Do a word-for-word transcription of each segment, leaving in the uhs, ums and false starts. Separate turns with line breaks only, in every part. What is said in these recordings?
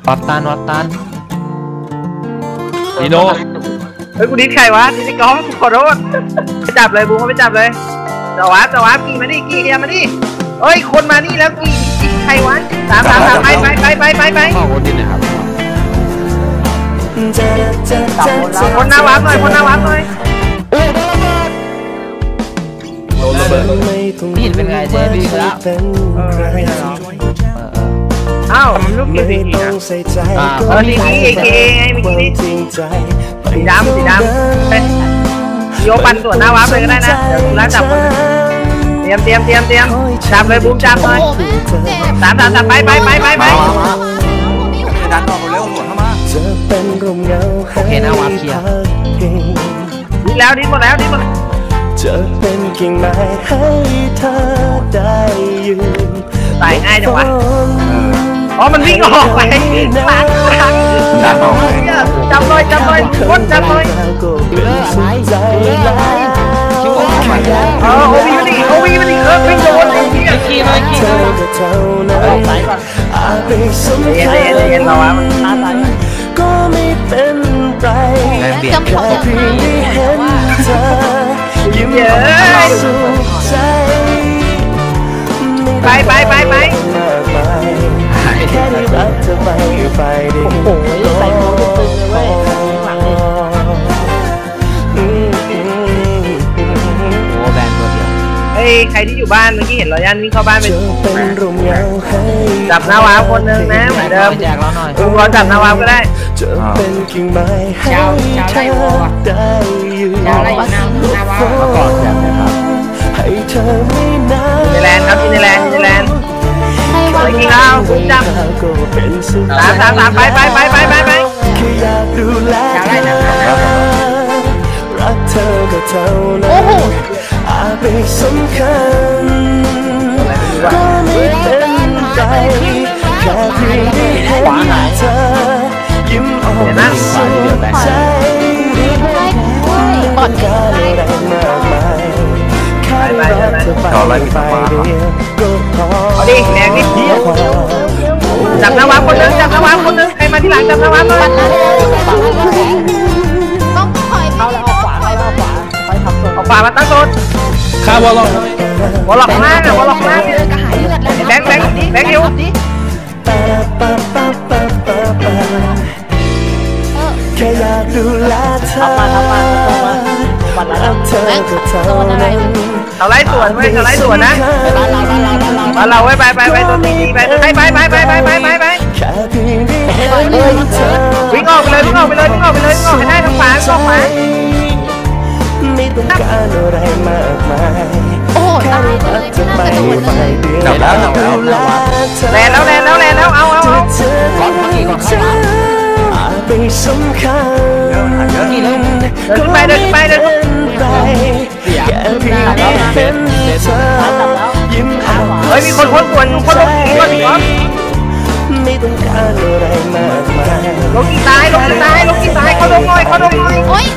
วัดตันวัดตันดีโน
เฮ้ยกูดิ้นใครวะดิ้นก้องขอโทษไปจับเลยบูมเขาไปจับเลยจวาบจวาบกี่มาดิกี่เฮียมาดิเฮ้ยคนมานี่แล้วกี่กี่ใครวะสามสามสามไปไปไปไปไปไป
ข้อคนนี้นะครับ
คนหน้าวับหน่อยคนหน้าวับหน่อย
โดนระเบิดนี่เป็นไงเจ๊ดีแล้วเออไม่ใช่หรอ
อ้าวมันลูกกี่สีนะเออสีนี้เอเคไงเมื่อกี้นี้สีดำสีดำเป็นโยปันส่วนหน้าวับเลยก็ได้นะเดี๋ยวร้านจับคนเตรียมเตรียมเตรียมเตรียมจับเลยบูมจับเลยสามสามสามไปไปไปไปไป
ดันออกเร็วหลวงเข้ามา
โอเคหน้าวับเคลียร์
ดีแล้วดีหมดแล้วดีหมด
จะเป็นกิ่งไม้ให้เธอได้ยืน
ตายง่ายจังวะอ๋อมันวิ่งออกไปหลังหลังจับเลยจับเลยคนจับเลยเออโอวีมันอีกโอวีมันอีกเออวิ่งโดนไอ้เหี้ยขี่เลยขี่เลยออกสายก่อนเย็นเย็นเย็นเราอะมันท้าทาย
ก็ไม่เป็นไรแค่เพียงได้เห็นเธอยิ้มเยอะสุขใจ
ไปไปไปไป
แค่ได้รักเธอไปไปดิ
โอ้โหใส่โม่ตึงเลยเว้ยหลังโอ้แบนตัวเดียว
เฮ้ยใครที่อยู่บ้านเมื่อกี้เห็นรอยันวิ่งเข้าบ้านไปจับหน้าวาวคนหนึ่งนะเหมือนเดิม
แจกเราหน่อย
ลุงรอจับหน้าวาวก็ได้
เช้าเช้าไล่โอ้
เช้าไล่หน้าหน้าวาวมาก่อนแบบนะครับ
ในแลนด์ครับในแลนด์ในแลนด์ไปกินข้าวผมจับสามสามสามไปไปไปไปไปไป
เช้าไล่นะ
โอ้โหอาจไม่สำคัญก็ไม่เป็นไรแค่เพียงได้เห็นเธอยิ้มออกมาสุขใจ
ปอดการอะไรมากมาย
ไปไปไปต่อเลยไป
เอาดิแดงนิดเดียวจับหน้าวางคนนึงจับหน้าวางคนนึงใครมาที่หลังจับหน้าวางเลย
ต้องคอย
เข้าแล้วเอาขวาไปเอาขวาไปทำตัว
เอาขวามาตั้งโซน
ข้าววอลล็อก
วอลล็อกมากวอลล็อกมากแบงค์แบงค์แบงค์เดียว
แค่อยากดูแลเธอ
ทำมาทำมาทำมา
วันละเธอก็เท่านั้น
เอาไล่ส่วนไว้เอาไล่ส่วนนะ
บ้านเราบ้านเราบ้านเรา
บ้านเราไว้ไปไปไปตัวนี้ไปไปไปไปไปไปไปไปไปวิ่งออกไปเลยวิ่งออกไปเลยวิ่งออกไปเลยวิ่งออกให้ได้ทั้งฝาทั้งฝา
ไม่ต้องการอะไรมากมาย
โอ้ตายเลย
จะไปไปเดียว
แล้วแล้ว
แล้วแล้วแล้วแล้วแล้วเอาเอาเอา
ก่อนเมื่อกี้ก่อนข้างหลัง
ไปสำคัญ
กี่เล่ม
เดินไปเดินไปเดิน
ไปแค่เพียงได้เห็นเธอยิ้มออก
เฮ้ยมีคนคนปวดคนลงกี่คนอีกวะ
ไม่ต้องการอะไรมากมาย
ลงกี่ตายลงกี่ตายลงกี่ตายเขาลงหน่อยเขาลงหน่อย
โอ้ย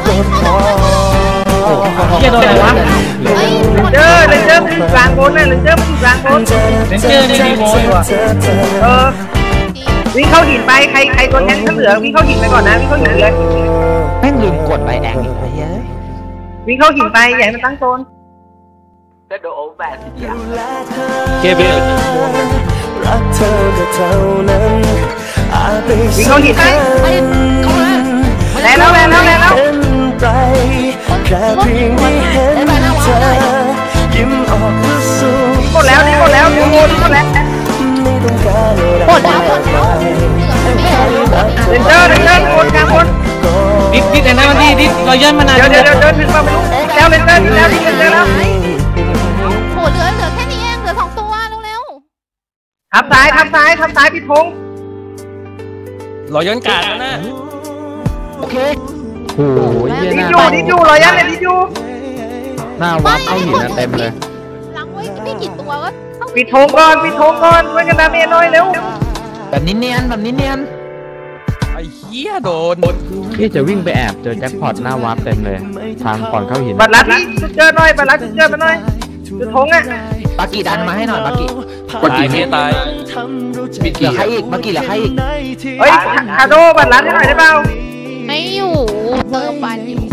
เกี่ยโดนอะไรวะ
เจอเลยเจอมันอยู่กลางบนน่ะเลยเจอมันอยู่กลางบน
เจอในดีโมอยู่อ่ะ
เออวิ่งเข้าหินไปใครใครตัวแทงข้างเหลือวิ่งเข้าหินไปก่อนนะวิ่งเข้าหินเลย
แม่งลืมกดใบแดงอีกเฮ้ย
วิ่งเข้าหินไปใหญ่มันตั้งโซน
จะโดนโอแบนทีเดียว
เก็บเลยรักเธอก็เท่านั้น
วิ่งเข้าหินไปแล้วแล้วแล้วแล้วแล้ว
แค่เพียงได้เห็นเธอยิ้มออกมาสู่
หมดแล้วนี่หมดแล้วนี่หมดหมดแล้ว
หมดแล้ว
เดินเดินเดินเดินวนกลางวน
ดิดดิดไอ้นั่นมันดิดดิดเราย้อนมานาน
เดี๋ยวเดี๋ยวเดี๋ยวเดินถึงมาไม่รู้แล้วเลยเดินแล้วดิเดินแล้ว
โหเหลือเหลือแค่นี้เองเหลือสองตัวเร็ว
ๆทับซ้ายทับซ้ายทับซ้ายพี่พงษ์
เราย้อนกาดแล้วนะโอเคโอ้ย
ดิจูดิจูเราย้อนเลยดิจู
หน้าวัดเอาหินเต็มเลย
หลังไว้ไม่กี่ตัวก็
ปิดธงก่อนปิดธงก่อนช่วยกันดาเมจหน่อยเร็ว
แบบนี้เนียนแบบนี้เนียนไอ้เหี้ยโดนพี่จะวิ่งไปแอบเจอแจ็คพอตหน้าวาร์ปเต็มเลยทางก่อนเข้าหิน
บัตรลัดนี่เจอหน่อยบัตรลัดเจอมาหน่อยจุดธงอ่ะ
ปากีดันมาให้หน่อยปากี
ปากีตาย
เหลือใครอีกเมื่อกี้เหลือใครอีก
เฮ้ยคาโดบัตรร้านให้หน่อยได้เปล่า
ไม่อยู่เติมบัตรอยู่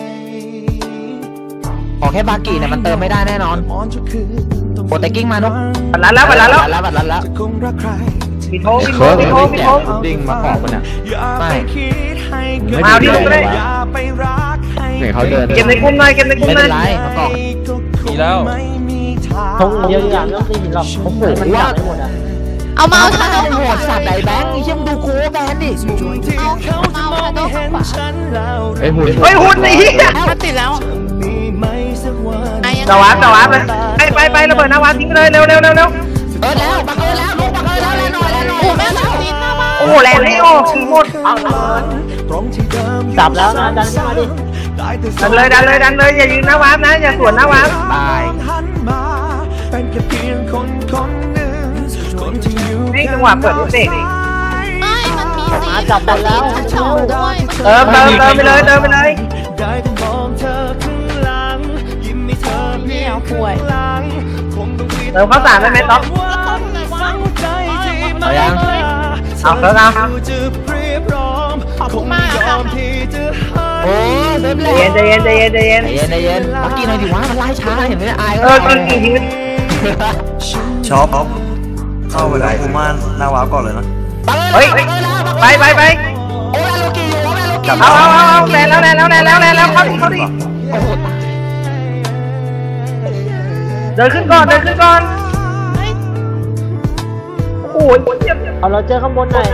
ขอแค่บากิเนี่ยมันเติมไม่ได้แน่นอนโปรเตกิ้งมานุ๊ก
บัตรร้านแล้วบัตรร้านแล้ว
บัตรแล้วบัตรแล้ว
มีโทมีโทมีโทมีโท
ดิ้งมาขอบมันเนี่ยไม่
มาเอาที่ลงก็ได้
เห็นเขาเดิน
เก็บในกลุ่มหน่อยเก็บในกลุ่ม
ไม่
หน่
เป็
อย
นไรมาก่อน
มีแล้ว
ทงเยอะอย่างไม่ต้องตีหินหรอก
โอ้โห
มัน
ว่า
จับได้หมดอ่ะ
เอามาเอาชาโด
โห
เข้าขวา
ดสัตว์ไหนแบงค์เชี่ยมดูโค้แบนดิ
เอาเอาชาโดเข้าขวา
ไอ้หุ่น
เฮ้ยหุ่นไอ้เหี้ย
มันติดแล้วไอ้ยัง
สวัสดิ์สวัสดิ์เลยไปไปไประเบิดนาวาทิ้งเลยเร็วเร็วเร็วเร็ว
เออแล้วบังเอิญแล้วลูกบังเอิญแล้วแล้วหน่อยแล้วหน่อย
โอ้แม่เราติดหน้าบ้าน
โอ้แรงไม่ออกทีหมด
จับแล้วนะดันขึ้นมาดิ
ดันเลยดันเลยดันเลยอย่ายืนหน้าวาร์ปนะอย่าสวนหน้าวาร์ป
ตาย
นี่จังหวะเปิดเด็ก
ไม่มันมีสี
จับได้แล้ว
ชั้นสองด้วย
เติมเติมเติมไปเลยเติมไปเลย
เนี่ยป่วย
เติมข้าวสารได้ไหมต๊อก
เอายัง
เอาเติมเอา
ขอบคุณมากค่ะ
โอ้เซฟเล
ใจ
ย
เย็นใจเย็นใจเย็นใจเย็น
ใจเย็นใจเย็นบักกี้หน่อยดิวะมันไล่ช้าเห็นไหมอาย
เออกินกี่ทีมัน
ช็อปเข้าไปเลยกูมาหน้าวาร์ปก่อนเลยนะ
เฮ้ยไปไปไป
โอ้ยโลกี้อยู่โอ้ยโลกี้
เอาเอาเอาเอาแรงแล้วแรงแล้วแรงแล้วแรงแล้วเข้าดิเข้าดิเดินขึ้นก่อนเดินขึ้นก่อนโอ้ยเจ็บ
เอาเราเจอข้างบนหน่อย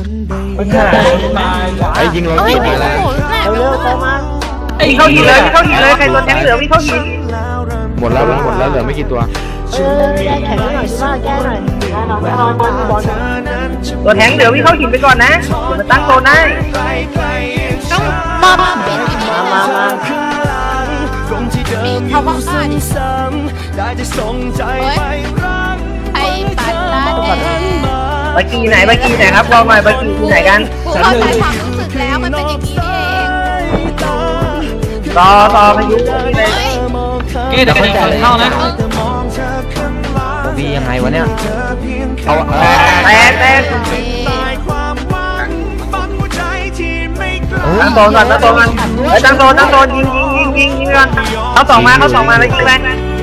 ไอ้ยิงโล
เอ้ย
กี้
โอ้
มาแล้ว
โหแม่
เร็วๆเติมมา
วิ่งเข้าหินเลยวิ่งเข้าหินเลยใครตัวแทงเหลือวิ่งเข้าหิน
หมดแล้วหมดแล้วเหลือไม่กี่ตัว
เออแก้แข็งหน่อยสิว่าแก้หน่อยนอนนอนบอลบอล
ตัวแทงเหลือวิ่งเข้าหินไปก่อนนะมาตั้งโซนได้
ต้องมาบ้านเป็นที่นี่
มามามา
มีเขาว่าฆ่าดิเฮ้ยไอ้ปัดลาเด
บากีไหนบากีไหนครับลองหน่อยบากีที่ไหนกัน
กูเข้าใจความรู้สึกแล้วมันเป็นอย่างนี้นี่เอง
ต่อต่อพายุที่ไหน
เฮ้ย
เก้เดี๋ยวคนก่อนเข้านะ
วียังไงวะเนี่ยเอาเออ
แต่แต่ตั้งโซนก่อนตั้งโซนก่อนเฮ้ยตั้งโซนตั้งโซนยิงยิงยิงยิงยิงก่อนเขาสองมาเขาสองมาแล้วยิงไป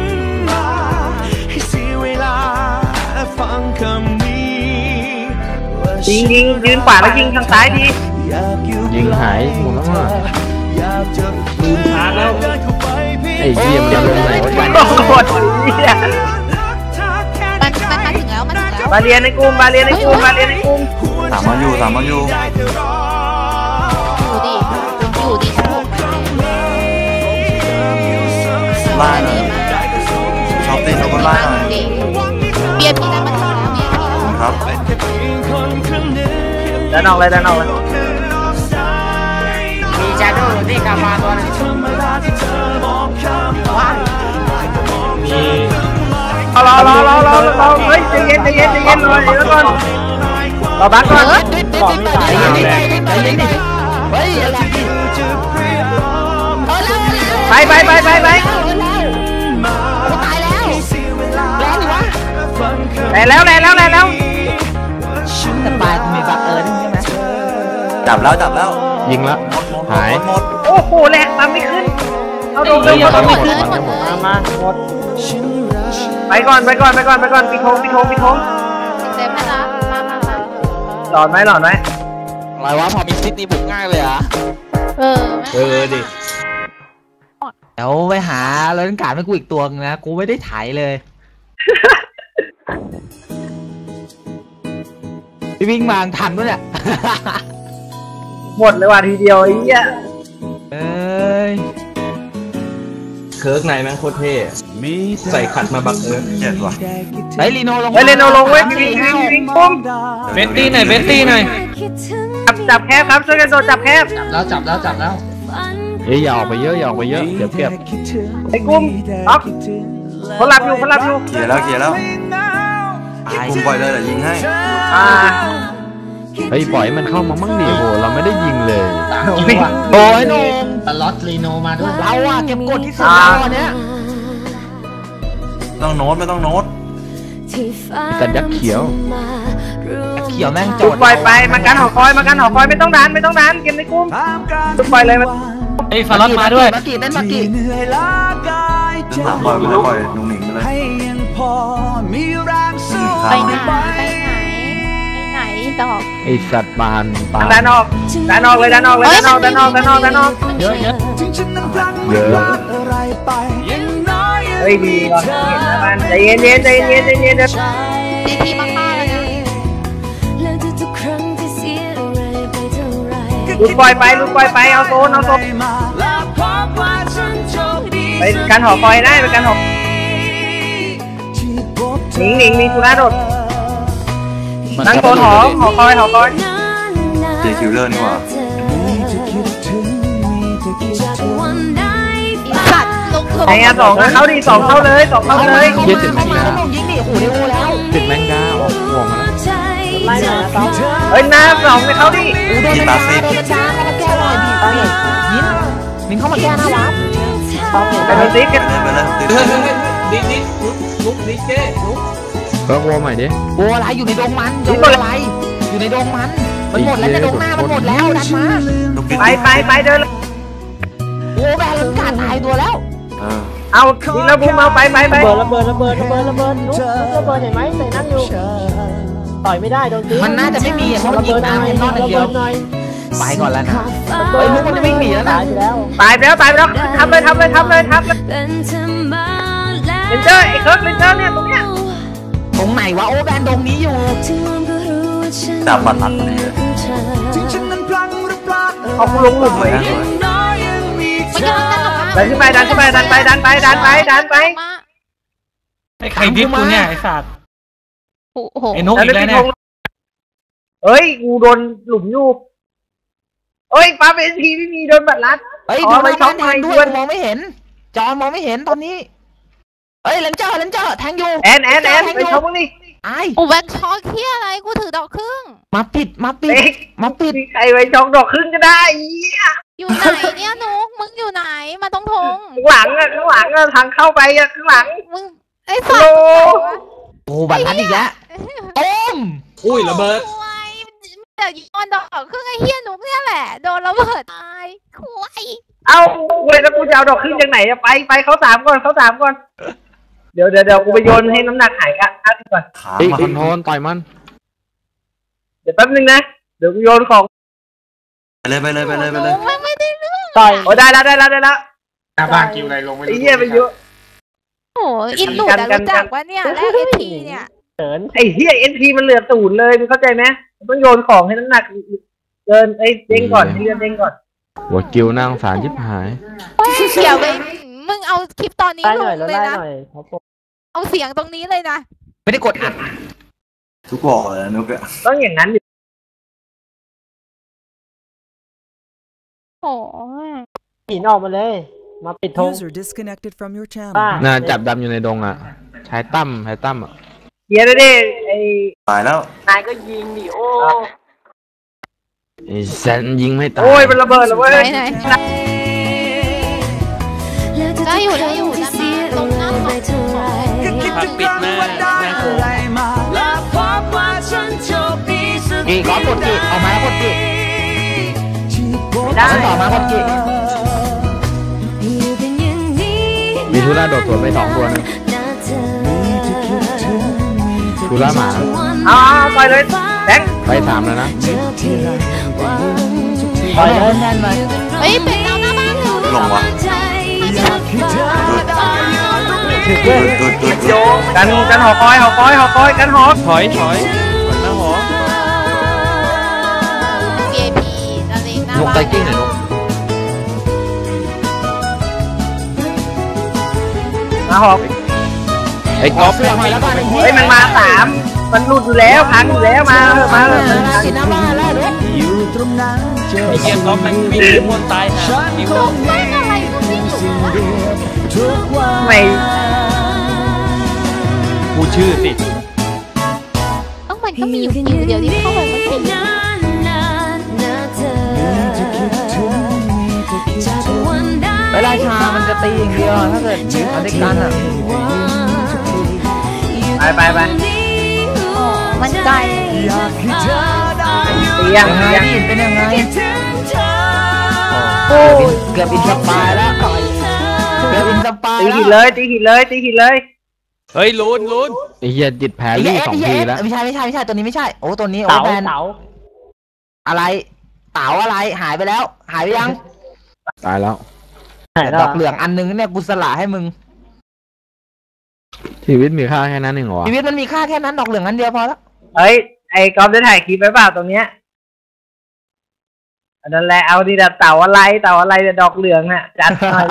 ยิงยิงยืนขวาแล้วยิงทางซ้ายดี
ยิงหายหมดแล้วอ่ะ
ลืมทางแล้ว
ไอ้เหี้ยมันจะลงไหนวะ
โอ้โหเหี้ย
มันมันมาถึงแล้วมันถึงแล้ว
บาเรียนในกลุ่มบาเรียนในกลุ่มบาเรียนในกลุ่ม
สามมันอยู่สามมันอยู่
อยู่ดิอยู่ดิฉันบอกไป
ไล่หน่อยช็อปตีช็อปบนไล่หน่อย
ดิเบียร์พี่นั้นมันถึงแล้วเบียร์พี่นั้น
ครับ
เดินออกเลยเดินออกเลย
มีจาโดที่กามาตัวนึง
รอรอรอรอรอรอเฮ้ยใจเย็นใจเย็นใจเย็นรอเดี๋ยวก่อนรอบักก่อน
ก่อนไม่ตายใจเย็นใจเย็นดิเฮ้ยอะไร
ไปไปไปไปไป
ตายแล้วแรงดิวะ
แรงแล้วแรงแล้วแรงแล้ว
แต่ปลายมีบักเอิญใช่ไหม
จับแล้วจับแล้ว
ยิงละหาย
หมด
โอ้โหแรงตามไม่ขึ้นเอาลงเร็ว
หม
เอา
ด
ลง
เลยหมดเลย
มามาหมด
ไปก่อนไปก่อนไปก่อนไปก่อนปิดโทงปิดโทงปิดโทง
เซฟให้ละมามามา
หลอดไหมหลอดไหม
อะไรวะพอมีซิดนี่บุกง่ายเลยอ่ะ
เออ
เออดิ
เดี๋ยวไปหาเล่นการ์ดให้กูอีกตัวนึงนะกูไม่ได้ถ่ายเลยพี่วิ่งมาทันปะเนี่ย
หมดเลยว่ะทีเดียวไอ้เหี้ย
เอ้ย
เคิร์กในแม่งโคตรเท่ใส่ขัดมาบักเอิญ
เจ็ดว่ะ
ไอ้ลีโนลง
ไปเล่นเอาลงเว้ยวิ่งวิ่งวิ่งปุ้ม
เบตตี้หน่อยเบตตี้หน่อย
จับจับแคบครับช่วยกันโดนจับแคบ
แล้วจับแล้วจับแล้ว
เอ้ยอย่าออกไปเยอะอย่าออกไปเยอะเดี๋ยวเก็บ
ไอ้กุ้มอ๊อกเขาหลับอยู่เขาหลับอยู่
เกียร์แล้วเกียร์แล้ว
ตาย
ผมปล่อยเลยเดี๋ยวยิงให้
อ่า
เฮ้ยปล่อยมันเข้ามามั่งดิโหเราไม่ได้ยิงเลย
โอ้ย
โอ้ยโนม
ตลอดลีโนมาด้วย
เราอะเก็บกดที่สุดเราอันเนี้ย
ต้องโน้ตไม่ต้องโน้ต
แต่ยักษ์เขียว
เ
ขียวแม่งจ
จุ
อ
ด
ด
ปล่อยไปมากันหอคอยมากันหอคอยไม่ต้องดันไม่ต้องดันเกมในกลุ่มจุดปล่อยเลยมัน
ไอ้ฟาร์ลมาด้วยมากี่เต้นมากี่
เดินหลังปล่อยไปเลยปล่อยนุ่งหนิงไปเลย
ไปไหนไปไหนไปไหนดอก
ไอสัตว์บานบาน
ดันออกดันออกเลยดันออกเลยดันออกดันออกดันออกดันออก
เยอะเยอะเยอะ
เฮ้ยดีก่อนเห็นนะมันใจเย็นเย็นใจเย็นใจเย็นเดี๋ยว
ทีทีมาฆ่าเลยนะ
ลุกปล่อยไปลุกปล่อยไปเอาโซนเอาโซนไปกันหอคอยได้ไปกันหอหนิงหนิงมีธุระโดดนั่งโซนหอหอคอยหอคอย
เจคิวเลอร์นี่หว่า
สัตว์ลงเถอะ
ไอ้งานสองเข้าดีสองเข้าเลยสองเข้าเลย
เยอะติดแมงดายิงดิโอ้โหเร็วแล้วติดแมงดาออกห่วงแล้ว
ไล่มาสองเฮ้ยหน้าสองไปเข้าดิ
กีตาซี
โดนจ้าเข้ามาแก้หน่อยดิไปยินมินเข้ามาแก้หน้าวับ
ไปดูซิกัน
ไปเลย
เฮ้ยดิ๊กดิ๊กลุกดิ๊กเจ๊ลุก
เบิร์กวอลใหม่ดิโอ้อะไรอยู่ในดงมันอยู่อะไรอยู่ในดงมันมันหมดแล้วในดงหน้ามันหมดแล้วดันมา
ไปไปไปเดิน
โอ้แบนลังกาตายตัวแล้ว
เออ
เอาดิระบุมาไปไปไประ
เบิดระเบิดระเบิดระเบิดระเบิดลุกระเบิดเห็นไหมใส่นั่งอยู่ต่อยไม่ได้โดนตี
มันน่าจะไม่มีเพราะมันยิงน้ำมันนอนอย่างเดียวไปก่อนแล้วนะไอ้ลูกมันจะวิ่งหนีแล้วนะ
ตายไปแล้ว
ตายไปแล้วตายไปแล้วทำเลยทำเลยทำเลยทำเลยเลนเจอร์ไอ้เคิร์กเลนเจอร์เนี่ยตรงเนี้ย
ตรงไหนวะโอ้แบนตรงนี้อยู่
จับบัตรลัดเลย
เอาคุณลงหลุมไหม
มันกำลังดันออกมา
ดันขึ้นไปดันขึ้นไปดันไปดันไปดันไปดันไป
ไอ้ไข่ดิบกูเนี่ยไอ้สัตว์
โอ้โห
ไอ้นกอีกแล้วเนี่ย
เฮ้ยกูโดนหลุมอยู่เฮ้ยป้าเป็นทีไม่มีโดนบัตรลัด
เฮ้ยดูหน้าบ้านแทนด้วยมองไม่เห็นจอมองไม่เห็นตอนนี้เฮ้ยเลนเจอร์เลนเจอร์แทงอยู่
แอนแอนแอนไปชมมึงดิ
ไอ้
โอ้แวนช็อกเฮียอะไรกูถือดอกครึ่ง
มาปิดมาปิด
เด็ก
มาปิด
มีใครไปชมดอกครึ่งก็ได้เหี้ย
อยู่ไหนเนี่ยนุกมึงอยู่ไหนมาตรงทง
ข้างหลังอะข้างหลังอะทางเข้าไปอะข้างหลัง
มึงไอ้สัต
โอ้
ว์
โอ้บัตรลัดอีกแล้วต้ม
อุ้ยระเบิด
ควายเดี๋ยวยิงดอกครึ่งไอ้เฮียนุกเนี่ยแหละโดนระเบิดตายควาย
เอ้าเว้ยแล้วกูจะเอาดอกครึ่งจากไหนอะไปไปเขาสามก่อนเขาสามก่อนเดี๋ยวเดี๋ยวเดี๋ยวกูไปโยนให้น้ำหนักหายกันอ่ะก่อน
ขา
ไอ้
มา
คอนโทรลต่อยมัน
เดี๋ยวแป๊บนึงนะเดี๋ยวกูโยนของ
ไปเลยไปเลยไปเลยไปเลย
ไม่ไม่ได้เรื่อง
ต่อย
โอ้ได้แล้วได้แล้วได้แล้ว
หน้าบ้านกิวอะไรลงไม่
ไอ้
รู้
เหี้ยไปเยอะ
โอ้อินหลุดอะรู้จักว่าเนี่ยแรกเอทีเนี่ย
เฉิน
ไอ้เหี้ยเอ็นทีมันเหลือศูนย์เลยมึงเข้าใจไหมมันต้องโยนของให้น้ำหนักเดินไอ้เด้งก่อนให้เดินเด้งก่อน
หัวกิวนั่งสารชิบหาย
เดี๋ยวไปมึงเอาคลิปตอนนี้
ไล่
ล
หน่อย
ง
แล้ว
เลย
ไล่
นะ
หน่อยครับผม
เอาเสียงตรงนี้เลยนะ
ไม่ได้กดอัด
ทุกบ่อเลยนุกอะ
ต้องอย่างนั้นดิ
โอ้ย
หินออกมาเลย มาปิดธง
User disconnected from your channel.
ป้า
น่าจับดำอยู่ในดงอ่ะใช้ตั้มใช้ตั้มอ่ะ
เหี้ยเลยดิไอ้
ตายแล้ว
นายก็ยิงดิโอ้
ไอ้แซนยิงไม่ตาย
โอ้ยมันระเบิดแล้วเว้ย
ไหนไหนได้อยู่ได้อยู่ด้านหน้าตรงหน้าของ
ผักปิดแม่แม่โค
กี่ก้อนกดกี่ออกมาแล้วกดกี่
ได้
ต่อมากดกี่มีทุล่าโดดสวนไปสองตัวนึงทุล่าหมา
เอาเอาปล่อยเลยแบงค์
ไปสามแล้วนะ
ต่อยเลย
เฮ้ยเป็นเราหน้าบ้านเร็ว
ลงวะ
โยกันกันหอคอยหอคอยหอคอยกันหอ
ถอยถอยถอยมาหอ
เอพีอะไรหน้าน
ก
บ้าน
ไตกิ้งหน่อยนก
มาหอก
ไอ้กอล์ฟเพื่อนมาแล้วบ้านไอ้เหี้ย
เฮ้ยมันมาสามมันหลุดอยู่แล้วพังอยู่แล้วมาเถอะมาเถอะ
กินน้ำบ้านแล้วนก
ไอ้เกียร์ก๊อฟมันไม่มีมวนตายนะมีม
ลู
วน
กแม่งอะไรก็ไม่รู้วะ
ไม่
กูชื่อสิ
ต้องมันก็มีอยู่อยู่เดียวที่เข้าไปมันเป็น
เวลาชามันจะตีอย่างเดียวถ้าเกิดมาด้วยกันอ่ะ
ไปไปไป
มันไกล
อยากให้เธอได้อยู่
เตียง
ยังไง
เตียง
ดิเป็นยังไง
คิดถึงเธอ
โอ้ยเกือบอินสปายแล้วเกือบอินสปาย
ตี
แล้
หิน
ว
เลยตีหินเลยตีหินเลย
เฮ้ยลุ้นลุ้น
ไอ้เหี้ยจิตแพ้รี่สองทีแล้วไม่ใช่ไม่ใช่ไม่ใช่ตัวนี้ไม่ใช่โอ้ตัวนี้โอ้
เต๋า
แบน
เต๋า
อะไรเต๋าอะไรหายไปแล้ว หายไปยังตายแล้ว
ไหน
ด
แล้
อ
ว
กเหลืองอันนึงเนี่ยกูสละให้มึง
ชีวิตมีค่าแค่นั้นเองเหรอ
ชีวิตมันมีค่าแค่นั้นดอกเหลืองอันเดียวพอแล้ว
เฮ้ยไอ้กอล์ฟได้ถ่ายคลิปไว้เปล่าตรงเนี้ยอันนั้นแหละเอาดีแบบเต่าอะไรเต่าอะไรแต่ดอกเหลืองน่ะจัดหน่อยดิ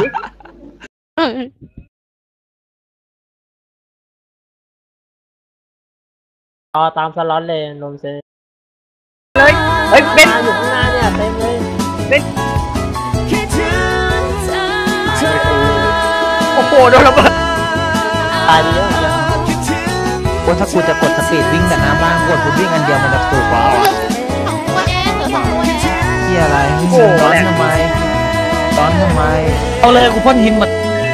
รอตามสล็อตเลยนมเซ
เลยเฮ้ยเป็น
มาอยู่ข้างหน้าเนี่ยเต็มเลย
เป็น
คิดถึงเธอ
โอ้โหโดนระเบิด
ตายไปเยอะเหมือนกัน
คิดถึง
โอ้ถ้ากูจะกดสปีดวิ่งแต่น้ำบ้างกดกูวิ่งอันเดียวมันจะถูกกว่า
สองตัวเองเหลือสองตัวเอง
ที่อะไรร้อนทำไมร้อนทำไม
เอาเลยกูพ่นหินมา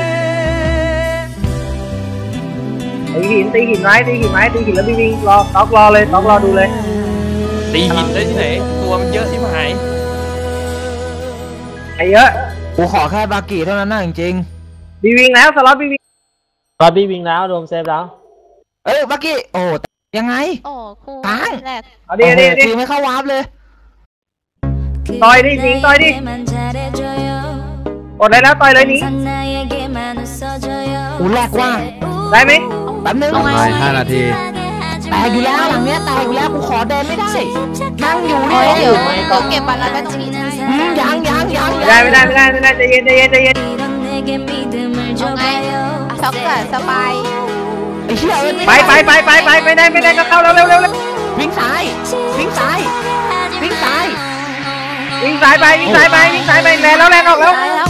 ตีหินตีหินไม้ตีหินไม้ตีหินแล้ววิ่งวิ่งรอต๊อกรอเลยต๊อกรอดูเลย
ตีหินได้ที่ไหนตัวมันเยอะที่หาย
ไอ้เยอะ
กูขอแค่บากิเท่านั้นนะจริง
บีวิ่งแล้วสล็อตบีวิ่ง
รอบี้วิ่งแล้วโดมเซฟแล้ว
ๆเอ้ยบากิโอ้ยังไง
โอ้ครู
ค้าง
แรก
เอาดิเอาดิเอาดิ
โอ้โหไม่เข้าวาร์ปเลย
ต่อยดิหนิงต่อยดิกดเลยแล้วต่อยเลยหนิง
กูแรกว่า
ได้ไหม
แป๊บนึง
ภายห้านาที
แตกอยู่แล้วหลังเนี้ยแตกอยู่แล้วกูขอเดินไม่ได้นั่งอยู่
เฮ้
เนี่ย ย
เดี๋ยวเดี๋ยวเก็บบัตรแล้วไปตรงนี้ได้
อืมยังยังยัง
ไม่ได้ไม่ได้ไม่ได้ไม่ได้ใจเย็นใจเย็นใจเย็น
เอาไงช็อกกับสบาย
ไอ้เหี้ยเอ้ย
ไปไปไปไปไปไม่ได้ไม่ได้ก็เข้าแล้วเร็วเร็วเร็ว
วิ่งซ้ายวิ่งซ้ายวิ่งซ้าย
วิ่งสายไปวิ่งสายไปวิ่งสายไปแลนแล้วแลนออกแล้ว
ตายแล้ว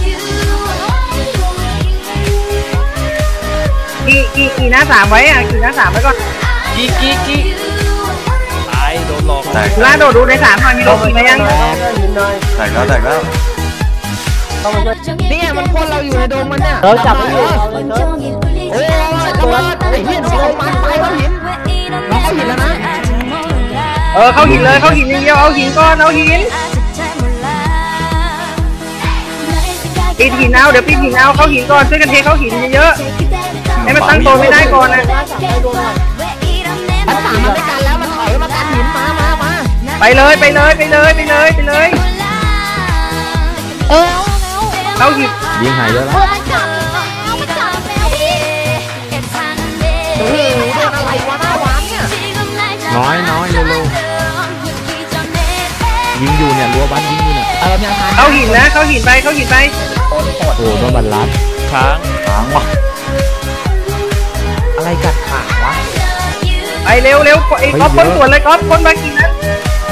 กี่กี่กี่หน้าสามไว้อ่ะกี่หน้าสามไว้ก่อน
กี้กี้กี้ตายโดนหลอก
แตก
ล่าโดดดูในสามหน่อยมีโดดกี่มายัง
ยืนหน่อย
แตกแล้วแตกแล้ว
ต้องมาช่วย
เนี่ยมันคนเราอยู่ในโดมมันเนี่ย
เราจับไม่อยู่เอาเลยเถอะ
โอ้ยระเบิดไอ้เหี้ยโดนของมันไปเขาหินเราเขาหินแล้วนะ
เออเข้าหินเลยเข้าหินอย่างเดียวเอาหินก่อนเอาหินปิดหินเอาเดี๋ยวปิดหินเอาเข้าหินก่อนช่วยกันเทเข้าหินเยอะๆให้มันตั้งตัวไม่ได้ก่อนนะ
มันสามมันไม่กันแล้วมันถอยมากันหินมามามา
ไปเลยไปเลยไปเลยไปเลยไปเลย
เออเอาแล้ว
เข้าหิน
ยิงหายเยอะ
เอ
แล้ว
อมันจับเอามันจับแล้วพี่
โอ้โหโดนอะไรวะหน้าวานเนี่ย
น้อยน้อยเร็วๆยิงอยู่เนี่ยรัวบ้านยิงอยู่เนี่ย
เออยังทัน
เข้าหินนะเข้าหินไปเข้าหินไป
โอ้โหโดนบันลัด
ค้าง
ค้างว่ะ
อะไรกัดขาวะ
ไปเร็วเร็วไอ้ก๊อฟคนสวนเลยก๊อฟคนมากี่นัด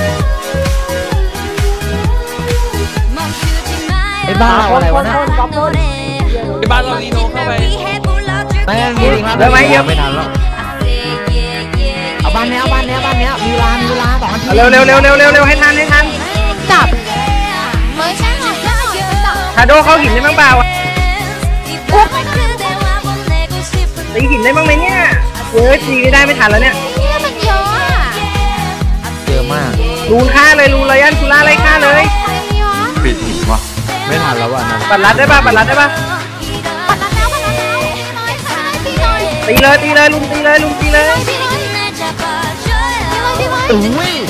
ไอ้บ้าอะไรวะเนี่ย
ที่บ้านเราลีโนเข้าไป
แม่งยิง
เร็วไหมเยอะ
ไม่ทันแล้ว
เอาบ้านเนี้ยเอาบ้านเนี้ยบ้านเนี้ยมีร้านมีร้านสองนาที
เร็วเร็วเร็วเร็วเร็วเร็วให้ทันให้ทัน
จับเฮ้ยใช่หน่อยใช่หน่อยจับ
ชาโดเข้าหินได้บ้างเปล่า
อุ๊ย
ตีหินได้บ้างไหมเนี่ยเฮ้ยตีไม่ได้ไม่ทันแล้วเนี่ย
เนี่ยมันเยอะอ่ะ
เยอะมาก
ลูนฆ่าเลยลูนไรยันคุล่าไล่ฆ่าเลย
ใครวะ
ปิดหินว่ะ
ไม่ทันแล้วว่ะนั่น
ปัดรัดได้ป่ะปัดรัดได้ป่ะ
ปัดแล้วปัดแล้วตีหน่อยตีหน่อย
ตีเลยตีเลยลุงตีเลยลุงตีเลย
ตีหน่อยตีหน่อยตีหน่อยตีหน่อย
อุ้ย